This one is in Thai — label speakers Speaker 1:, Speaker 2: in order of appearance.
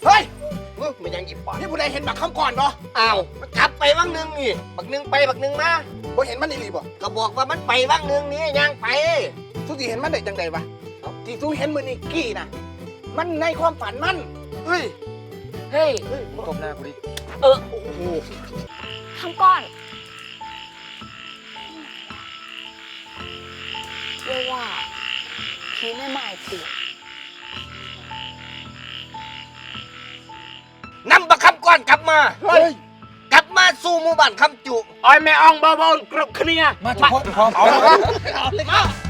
Speaker 1: เฮ้ย
Speaker 2: มันยังอีกปอด
Speaker 1: นี่ผู้ใดเห็นบักคำก่อนบ่
Speaker 2: อ้าวมันกลับไปว่างนึงนี่บักนึงไปบักนึงมา
Speaker 1: บ่เห็นมันอีหลีบ่
Speaker 2: ก็บอกว่ามันไปว่างนึงนี่ยังไป
Speaker 1: ทุกทีเห็นมันได้จังใดวะที่ทุกเห็นมือนี่กี้นะมันในความฝันมัน
Speaker 2: เฮ้ย
Speaker 3: เฮ้ย
Speaker 2: ตบหน้ากูดิ
Speaker 3: โอ้โหทำก้อนเรียกว่าผีไม่หมายติด
Speaker 2: นำบักคำก้อนกลับมา
Speaker 1: เฮ้ย
Speaker 2: กลับมาสู่หมู่บ้านคำจุ
Speaker 4: อ้อยแม่อ่องเบาๆกรุบเคลียร์
Speaker 5: มาทุกคนพร้อม
Speaker 1: เอาเลยมา